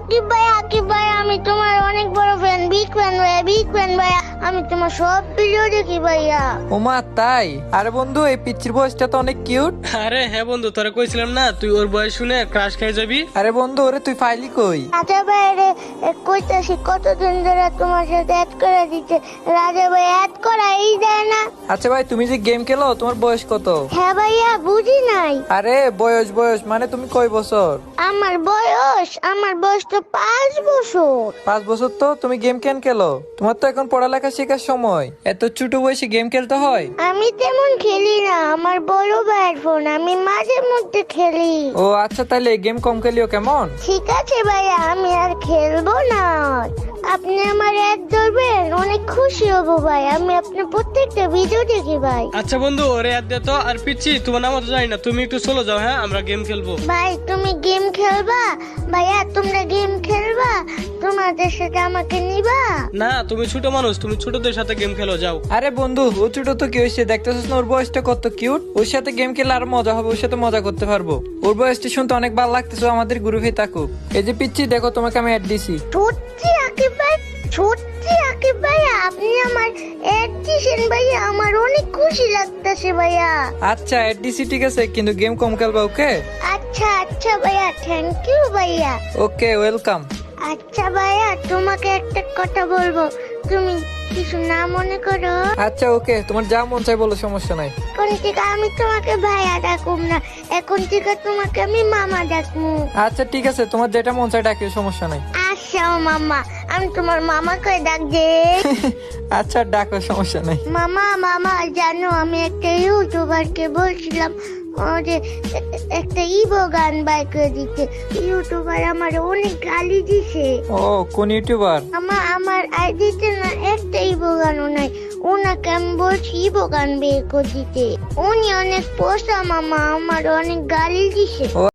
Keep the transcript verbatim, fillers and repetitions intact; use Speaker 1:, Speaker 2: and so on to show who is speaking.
Speaker 1: আকিব ভাই আকিব ভাই আমি তোমার অনেক বড় ফ্যান, বিগ ফ্যান ভাইয়া, বিগ ফ্যান ভাইয়া। আমি তোমার সব ভিডিও দেখি ভাইয়া।
Speaker 2: ওমা তাই? আরে বন্ধু, এই পিচ্চির বয়সটা তো অনেক কিউট।
Speaker 3: আরে হ্যাঁ বন্ধু, তোরা কইছিলাম না তুই ওর বয়স শুনে ক্রাশ খেয়ে যাবি।
Speaker 2: আরে বন্ধু, ওরে তুই ফাইলি কই?
Speaker 1: রাজা ভাইরে কইতাছি কতদিন ধরে তোমার সাথে অ্যাড করে দিতে, রাজা ভাই অ্যাড করাই দেয় না।
Speaker 2: আচ্ছা ভাই, তুমি যে গেম খেলো তোমার বয়স কত?
Speaker 1: হ্যাঁ ভাইয়া, বুঝি নাই।
Speaker 2: আরে বয়স বয়স মানে তুমি কয় বছর?
Speaker 1: আমার বয়স আমার বয়স তো পাঁচ বছর।
Speaker 2: পাঁচ বছর? তো তুমি গেম কেন খেলো? তোমার তো এখন পড়ালেখা শেখার সময়, এত ছোট বয়সে গেম খেলতে হয়?
Speaker 1: আমি তেমন খেলি না, আমার বড় ভাইয়ের ফোন, আমি মাঝে মধ্যে খেলি।
Speaker 2: ও আচ্ছা, তাইলে গেম কম খেলিও কেমন?
Speaker 1: ঠিক আছে ভাইয়া, আমি আর খেলবো না। আপনি আমার অ্যাড ধরবেন, অনেক খুশি হব ভাই। আমি আপনার প্রত্যেকটা ভিডিও দেখি ভাই।
Speaker 3: আচ্ছা বন্ধু, ওরে অ্যাড দে তো। আর পিচ্ছি, তোমার নাম তো জানি না, তুমি একটু চলে যাও, হ্যাঁ আমরা গেম খেলবো।
Speaker 1: ভাই তুমি গেম খেলবা? ভাইয়া তোমরা গেম খেলবা? তোমাদের সাথে আমাকে নিবা?
Speaker 3: না, তুমি ছোট মানুষ, তুমি ছোটদের সাথে গেম খেলো, যাও।
Speaker 2: আরে বন্ধু, ও ছোট তো কি হয়েছে? দেখতেছিস না ওর বয়সটা কত কিউট? ওর সাথে গেম খেলে আর মজা হবে, ওর সাথে মজা করতে পারবো। ওর বয়সটা শুনতে অনেক ভালো লাগতেছে, ও আমাদের গ্রুপে থাকুক। এই যে পিচ্ছি, দেখো তোমাকে আমি অ্যাড দিছি।
Speaker 1: সত্যি আকিব ভাই, সত্যি আকিব ভাইয়া আপনি আমার অ্যাড দিছেন ভাইয়া, আমার অনেক খুশি লাগতেছে ভাইয়া।
Speaker 2: আচ্ছা অ্যাড দিছি, ঠিক আছে, কিন্তু গেম কম খেলবা, ওকে?
Speaker 1: আচ্ছা আচ্ছা ভাইয়া, থ্যাংক ইউ ভাইয়া।
Speaker 2: Okay, welcome.
Speaker 1: আচ্ছা ভাইয়া, তোমাকে একটা কথা বলবো, তুমি কিছু না মনে করো।
Speaker 2: আচ্ছা ওকে, তোমার যা মন চাই বলো, সমস্যা নাই।
Speaker 1: এখন থেকে আমি তোমাকে ভাইয়া ডাকুম না, এখন থেকে তোমাকে আমি মামা ডাকবো।
Speaker 2: আচ্ছা ঠিক আছে, তোমার যেটা মন চাই ডাকিও, সমস্যা নাই।
Speaker 1: আচ্ছা ও মামা, আমি তোমার মামাকে ডাক দে।
Speaker 2: আচ্ছা ডাকো, সমস্যা নাই।
Speaker 1: মামা মামা জানো, আমি একটা ইউটিউবারকে বলছিলাম ও যে এ- একটা ইবো গান বাই করে দিতে। ইউটিউবার আমার অনেক গালি দিছে।
Speaker 2: ও কোন ইউটিউবার?
Speaker 1: আমা আমার আইডিতে না একটা ইবো গানও নাই। ওনাকে আমি বলছি ইবো গান বের করে দিতে, উনি অনেক পোষা মামা, আমার অনেক গালি দিছে।
Speaker 2: ও